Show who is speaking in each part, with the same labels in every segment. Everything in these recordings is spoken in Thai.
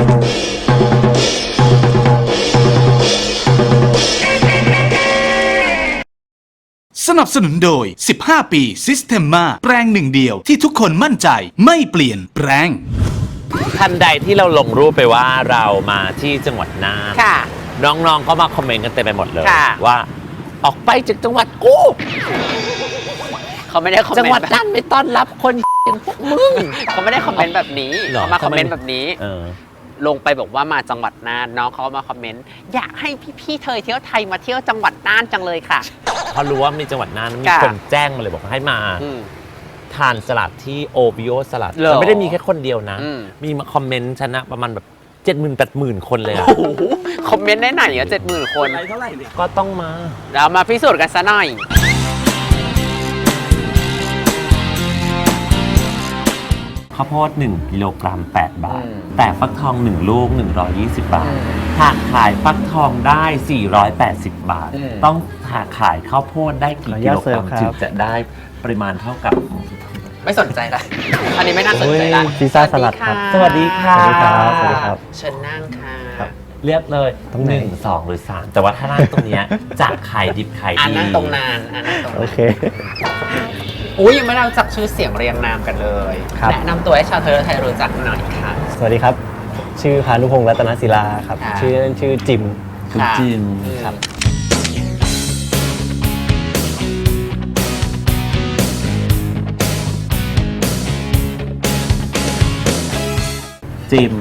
Speaker 1: สนับสนุนโดย 15 ปี Systema แปรงหนึ่งเดียวที่ทุกคนมั่นใจไม่เปลี่ยนแปลง
Speaker 2: ทันใดที่เราลงรูปไปว่าเรามาที่จังหวัดน่าน
Speaker 3: ค่ะ
Speaker 2: น้องๆก็มาคอมเมนต์กันเต็มไปหมดเลย
Speaker 3: ค่ะ
Speaker 2: ว่าออกไปจากจังหวัดกู
Speaker 3: เขาไม่ได้คอมเมนต์
Speaker 2: จังหวัดน่านไม่ต้อนรับคนอย่างพวกมึง
Speaker 3: เขาไม่ได้คอมเมนต์แบบนี้เขามาคอมเมนต์แบบนี้ลงไปบอกว่ามาจังหวัดน่านน้องเขามาคอมเมนต์อยากให้พี่ๆเธอเที่ยวไทยมาเที่ยวจังหวัดน่านจังเลยค่ะ
Speaker 2: พอรู้ว่ามีจังหวัดน่านมีคนแจ้งมาเลยบอกให้มาทานสลัดที่โอบิโอสลัดแต่ไม่ได้มีแค่คนเดียวนะมีมาคอมเมนต์ชนะประมาณแบบ70,000-80,000 คนเลยอะ
Speaker 3: คอมเมนต์ได้ไหนอ่ะ70,000 คน
Speaker 2: เท่าไหร่ก็ต้องมา
Speaker 3: เรามาพิสูจน์กันซะหน่อย
Speaker 2: ข้าวโพด1กิโลกรัม8 บาทแต่ฟักทอง1ลูก120 บาทหากขายฟักทองได้480 บาทต้องหากขายข้าวโพดได้กี่กิโลกรัมถึงจะได้ปริมาณเท่ากับ
Speaker 3: ไม่สนใจละอันนี้ไม่น่าสนใจละ
Speaker 4: พิซซ่าสลัดครับ
Speaker 2: สวัสดีค่ะ
Speaker 4: สวัสดีครับ
Speaker 3: เชิญนั่งค่ะ
Speaker 2: เรียกเลย1 2 หรือ 3แต่ว่าถ้านั่งตรงนี้จะขายดิบขายดี
Speaker 3: นั่งตรงนานนั่งตรง
Speaker 4: โอเค
Speaker 3: อุ้ยยังไม่ได้รู้จักชื่อเสียงเรียงนามกันเลยแนะนำตัวให้ชาวเทอร์ไทยรู้จักหน่อยค่ะ
Speaker 4: สวัสดีครับชื่อพานุพงษ์รัตนศิลาครับชื่อจิม
Speaker 2: คุณจิม
Speaker 4: ครับ
Speaker 2: จิม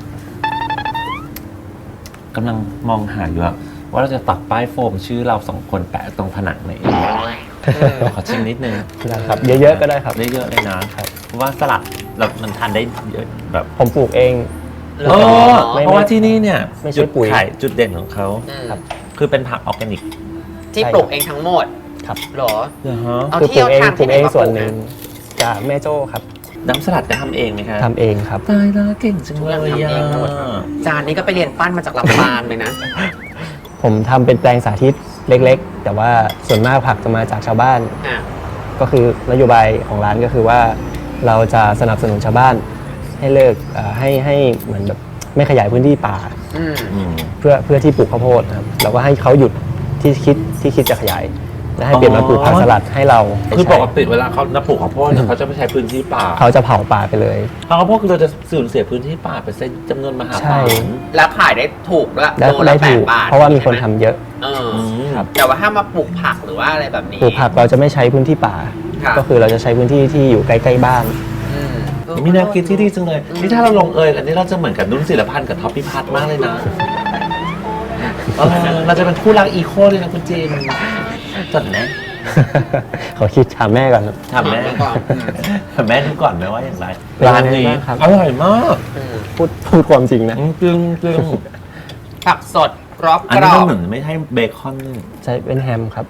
Speaker 2: กำลังมองหาอยู่ว่าเราจะตัดป้ายโฟมชื่อเรา2 คนแปะตรงผนังไหนขอชิมนิดนึง
Speaker 4: ครับเยอะๆก็ได้ครับ
Speaker 2: เยอะๆเลยนะครับเพราะว่าสลัดมันทานได้เยอะแบบ
Speaker 4: ผมปลูกเอง
Speaker 2: เพราะว่าที่นี่เนี่ย
Speaker 4: ไม่ใช่ปุ๋ย
Speaker 2: จุดเด่นของเขาคือเป็นผักออร์แกนิก
Speaker 3: ที่ปลูกเองทั้งหมด
Speaker 4: ครับ
Speaker 3: หรอ
Speaker 4: เอาที่เราทำปลูกเองส่วนหนึ่งจากแม่โจ้ครับ
Speaker 2: น้ำสลัดจะทำเองไหมครับ
Speaker 4: ทำเองครับ
Speaker 2: ตายแล้วเก่งจังเลย
Speaker 3: จานนี้ก็ไปเรียนปั้นมาจากลำปางเลยนะ
Speaker 4: ผมทำเป็นแปลงสาธิตเล็กๆแต่ว่าส่วนมากผักจะมาจากชาวบ้านก็คือนโยบายของร้านก็คือว่าเราจะสนับสนุนชาวบ้านให้เลิกให้เหมือนแบบไม่ขยายพื้นที่ป่าเพื่อที่ปลูกข้าวโพดครับเราก็ให้เขาหยุดที่คิดจะขยายและให้เปลี่ยนมาปลูกผักสลัดให้เรา
Speaker 2: คือปกติเวลาเขาปลูกข้าวโพดเขาจะไม่ใช้พื้นที่ป่า
Speaker 4: เขาจะเผาป่าไปเลย
Speaker 2: ข้าวโพดคือเราจะสูญเสียพื้นที่ป่าไปจำนวนมหาศาล
Speaker 3: แล้วขายได้ถูกด้วย
Speaker 4: โลละ8 บาทเพราะว่ามีคนทำเยอะ
Speaker 3: แต่ว่าถ้ามาปลูกผักหรือว่าอะไรแบบนี้
Speaker 4: ปลูกผักเราจะไม่ใช้พื้นที่ป่าก็คือเราจะใช้พื้นที่ที่อยู่ใกล้ๆบ้าน
Speaker 2: มีแนวคิดที่ดีจังเลยนี่ถ้าเราลงกันนี่เราจะเหมือนกับนุ่นศิลพันธ์กับท็อปพิพัฒน์มากเลยนะเราจะเป็นคู่รักอีโคเลยนะคุณเจมจดไหม
Speaker 4: ขอคิดถามแม่ก่อน
Speaker 2: ถามแม่ก่อนแม่ดูก่อนไหมว่าอย่างไรร้านนี้อร่อยมาก
Speaker 4: พูดความจริงนะ
Speaker 2: จึง
Speaker 3: ผักสดกรอบ
Speaker 2: อันนี้เหมือนไม่ใช่เบคอน
Speaker 4: ใช่เป็นแฮมครับ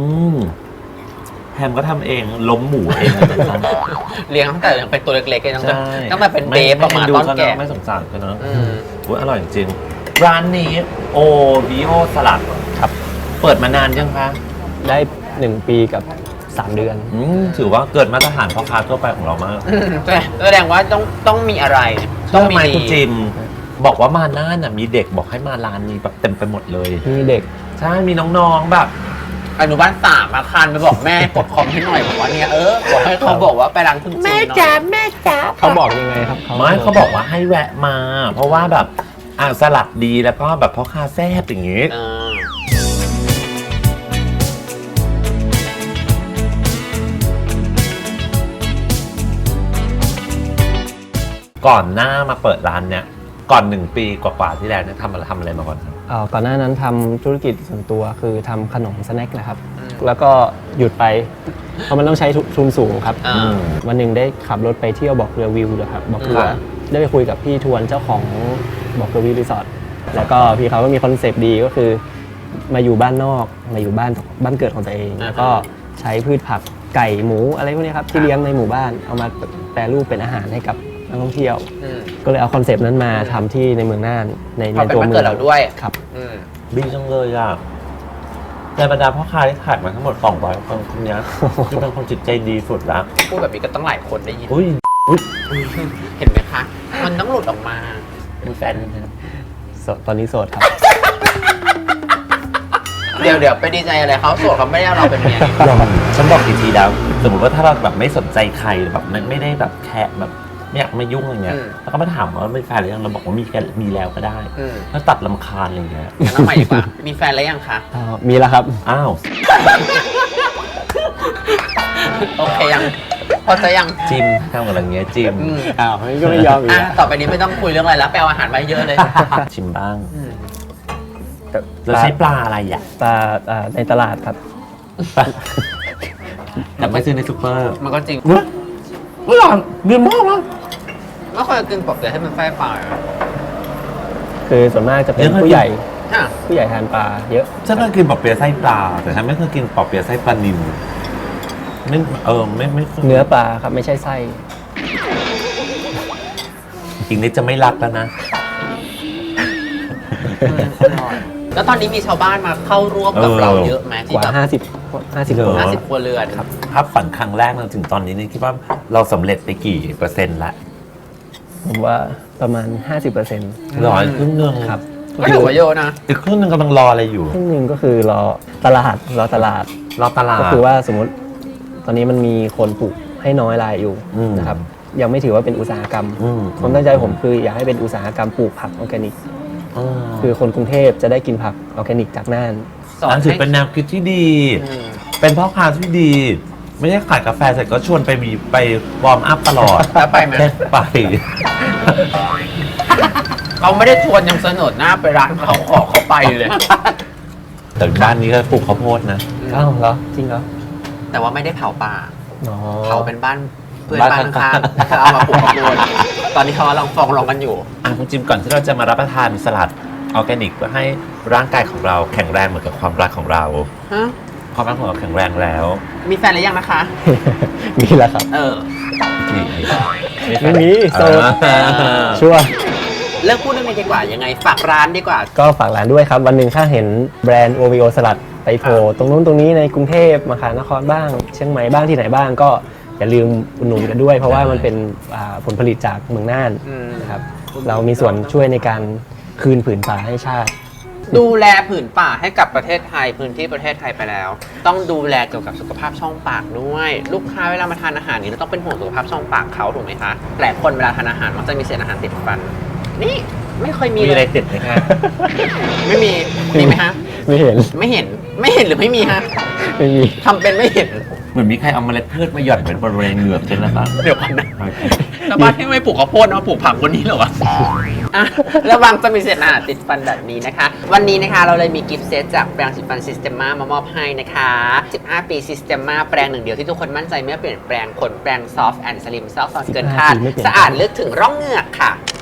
Speaker 2: แฮมก็ทำเองล้มหมูเอง
Speaker 3: เลี้ยงตั้งแต่ยังเป็นตัวเล็กๆตั้งแต่เป็นเบฟประมาณต้นแก่
Speaker 2: ไม่สงสารกันเนาะอร่อยจริงร้านนี้โอบิโอสลัด
Speaker 4: ครับ
Speaker 2: เปิดมานานยังคะ
Speaker 4: ได้1 ปีกับ3 เดือน
Speaker 2: ถือว่าเกิดมาตรฐานพ่อค้าทั่วไปของเรามาก
Speaker 3: แสดงว่าต้องมีอะไร
Speaker 2: ต้องมีคุณจิมบอกว่ามาน่านมีเด็กบอกให้มาร้านนี้แบบเต็มไปหมดเลย
Speaker 4: มีเด็ก
Speaker 2: ใช่มีน้องๆแบบ
Speaker 3: อนุบาล3มาคันไปบอกแม่กดคอมให้หน่อยบอกว่าเนี่ยบอกให้เขาบอกว่าไปร้านคุณจิมแม่จ๋า
Speaker 4: เขาบอกยังไงครับ
Speaker 2: ไม่เขาบอกว่าให้แวะมาเพราะว่าแบบสลัดดีแล้วก็แบบพ่อค้าแซ่บอย่างงี้ก่อนหน้ามาเปิดร้านเนี่ยก่อน1 ปีกว่าๆที่แล้วเนี่ยทำอะไรมาก่อนครับ
Speaker 4: ก่อนหน้านั้นทำธุรกิจส่วนตัวคือทำขนมสแน็คนะครับแล้วก็หยุดไปเพราะมันต้องใช้ทุนสูงครับวันหนึ่งได้ขับรถไปเที่ยวบอกเรือวิวนะครับบอกเรือได้ไปคุยกับพี่ทวนเจ้าของบอกเรือวิวรีสอร์ทแล้วก็พี่เขาก็มีคอนเซปต์ดีก็คือมาอยู่บ้านนอกมาอยู่บ้านเกิดของตัวเองแล้วก็ใช้พืชผักไก่หมูอะไรพวกนี้ครับที่เลี้ยงในหมู่บ้านเอามาแปรรูปเป็นอาหารให้กับนักท่องเที่ยวก็เลยเอาคอนเซปต์นั้นมาทำที่ในเมืองน่านในตัวเมือง
Speaker 3: เราด้วย
Speaker 4: ครับ
Speaker 2: ดีจังเลยอ่ะในบรรดาพ่อค้าที่ขายมาทั้งหมด200 คนคนนี้คือเป็นคนจิตใจดีสุดละ
Speaker 3: พูดแบบนี้ก็ต้องหลายคนได้ยิน
Speaker 2: อุ้ย
Speaker 3: เห็นไหมคะมันต้องหลุดออกมา
Speaker 2: มีแฟนไหมครับ
Speaker 4: โสดตอนนี้โสดครับ
Speaker 3: เดี๋ยวไปดีใจอะไรเขาโสดเขาไม่ได้เอาเราเป็นเมียนี่
Speaker 2: ฉันบอกกี่ทีแล้ว สมมติว่าถ้าเราแบบไม่สนใจใครแบบไม่ได้แบบแค่แบบไม่อยากมายุ่งอะไรเงี้ยแล้วก็มาถามว่าไม่แฟนหรือยังเราบอกว่ามีแล้วก็ได้แล้วตัดลำคาญอะไรเงี้ย
Speaker 3: งั้นเอาใหม่ดีกว่า มีแฟนแล้วยังคะ
Speaker 4: มีแล้วครับ
Speaker 2: อ้าว
Speaker 3: โอเคยัง พอจะยัง
Speaker 2: จิมทำกับอะไรเงี้ยจิม
Speaker 4: อ้าวก็ไม่ยอมอีก
Speaker 3: อ่ะ
Speaker 4: อะ
Speaker 3: ต่อไปนี้ไม่ต้องคุยเรื่องอะไรแล้วไปเอาอาหารมาเยอะเลย
Speaker 2: ชิมบ้าง
Speaker 4: แต่
Speaker 2: แล้วใช้ปลาอะไรอ่ะ
Speaker 4: ปลาในตลาดครับ
Speaker 2: แต่ไม่ซื้อในซูเปอร์
Speaker 3: มันก็จริง
Speaker 2: อร่อยเดือดมากเลย
Speaker 3: ไม่ค่อยกินปกติให้มันไฟเปล่า
Speaker 4: คือส่วนมากจะเป็น
Speaker 2: เรื่อง
Speaker 4: ผู้ใหญ่
Speaker 3: อ่ะ
Speaker 4: ผู้ใหญ่ทานปลาเยอะ
Speaker 2: ฉันเคยกินปอเปี๊ยะไส้ปลาแต่ฉันไม่เคยกินปอเปี๊ยะไส้ปลานิลไม่คย
Speaker 4: เนื้อปลาครับไม่ใช่ไส้
Speaker 2: อีกนิดจะไม่รักแล้วนะ
Speaker 3: แล้วตอนนี้มีชาวบ้านมาเข้าร่วมกับเราเยอะไหม
Speaker 4: ก
Speaker 3: ที่
Speaker 4: ว่า
Speaker 3: แบบ
Speaker 4: 50
Speaker 2: เหรอ
Speaker 4: คน
Speaker 3: 50 ครัวเรือนครับ
Speaker 2: ภาพฝันครั้งแรกเราถึงตอนนี้นี่คิดว่าเราสำเร็จไปกี่เปอร์เซ็นต์ละ
Speaker 4: ผมว่าประมาณ 50%
Speaker 2: ร้อยครึ่งหนึง
Speaker 4: ครับ
Speaker 3: ก็ถือว่าเยอะนะ
Speaker 2: อีกครึ่งหนึงกำลังรออะไรอยู่
Speaker 4: ครึ่งหนึ่งก็คือรอตลาด
Speaker 2: รอตลาด
Speaker 4: ก็คือว่าสมมติตอนนี้มันมีคนปลูกให้น้อยรายอยู่
Speaker 2: อืม
Speaker 4: นะครับยังไม่ถือว่าเป็นอุตสาหกรรม
Speaker 2: อืม
Speaker 4: ความตั้งใจผมคืออยากให้เป็นอุตสาหกรรมปลูกผักออร์แกนิก คือคนกรุงเทพจะได้กินผักออร์แกนิกจากน่าน
Speaker 3: สอน
Speaker 2: อันถือ
Speaker 3: ให้
Speaker 2: เป็นแนวคิดที่ดี
Speaker 3: อืม
Speaker 2: เป็นพ่อค้าที่ดี ไม่ใช่ขายกาแฟเสร็จก็ชวนไปวอร์มอัพตลอด
Speaker 3: แล้วไปไหม
Speaker 2: แค่ไป
Speaker 3: เขาไม่ได้ชวนยังเสนอหน้าไปร้านเขาขอเขาไปเลย
Speaker 2: แต่บ้านนี้ก็ปลูกข้าวโพดนะ
Speaker 4: อ้าวเหรอจริงเหรอ
Speaker 3: แต่ว่าไม่ได้เผาป่า
Speaker 4: อ๋อ
Speaker 3: เผาเป็นบ้านเพื่อนบ้านข้างๆแล้วเอามาปลูกข้าวโพดตอนนี้เขากำลังฟ้องร้องกันอยู่
Speaker 2: คุณจิมก่อนที่เราจะมารับประทานสลัดออร์แกนิกเพื่อให้ร่างกายของเราแข็งแรงเหมือนกับความรักของเรา
Speaker 3: ฮะ
Speaker 2: ความรักของเราแข็งแรงแล้ว
Speaker 3: มีแฟนหรือยังนะคะ
Speaker 4: มีแล้วครับ
Speaker 3: เออ
Speaker 4: ไม่มีโสด
Speaker 2: อ่า
Speaker 4: ชัวร์
Speaker 3: เลิกพูดเรื่องนี้ดีกว่า ยังไงฝากร้านดีกว่า
Speaker 4: ก็ฝากร้านด้วยครับ วันหนึ่งถ้าเห็นแบรนด์โอวิโอสลัดไปโผล่ตรงนู้นตรงนี้ในกรุงเทพมหานครบ้าง เชียงใหม่บ้างที่ไหนบ้างก็อย่าลืมอุดหนุนกันด้วย เพราะว่ามันเป็นผลผลิตจากเมืองน่าน
Speaker 3: อืม
Speaker 4: นะครับเรามีส่วนช่วยในการคืนผืนป่าให้ชาติ
Speaker 3: ดูแลผืนป่าให้กับประเทศไทยพื้นที่ประเทศไทยไปแล้ว ต้องดูแลเกี่ยวกับสุขภาพช่องปากด้วย ลูกค้าเวลามาทานอาหารนี้เราต้องเป็นห่วงสุขภาพช่องปากเขาถูกไหมคะหลายคนเวลาทานอาหารมักจะมีเศษอาหารติดฟัน นี่ไม่เคยมี
Speaker 2: มีอะไร
Speaker 3: เลย
Speaker 2: ติดไหมคะ
Speaker 3: ไม่มีมีไหมฮะ
Speaker 4: ไม่เห็น
Speaker 3: ไม่เห็นหรือไม่มีฮะ
Speaker 4: ไม่มี
Speaker 3: ทำเป็นไม่เห็น
Speaker 2: เหมือนมีใครเอาเมล็ดพืชมาหย่อนเป็นบริเวณเหงือกฉันนะครับ
Speaker 3: เดี๋ยวก่อนนะแล้วบ้านที่ไม่ปลูกข้าวโพดมาปลูกผักบนนี้เหรอวะอ่ะระวังจะมีเศษอาหารติดฟันแบบนี้นะคะ วันนี้นะคะเราเลยมีกิฟต์เซตจากแปรงสีฟัน Systema มามอบให้นะคะ 15 ปี Systema แปรงหนึ่งเดียวที่ทุกคนมั่นใจไม่เปลี่ยนแปลงขนแปรง Soft and Slim ซอกซอนเกินคาด
Speaker 4: 15 ปีไม่เปลี่ยน
Speaker 3: สะอาดลึกถึงร่องเหงือกค่ะ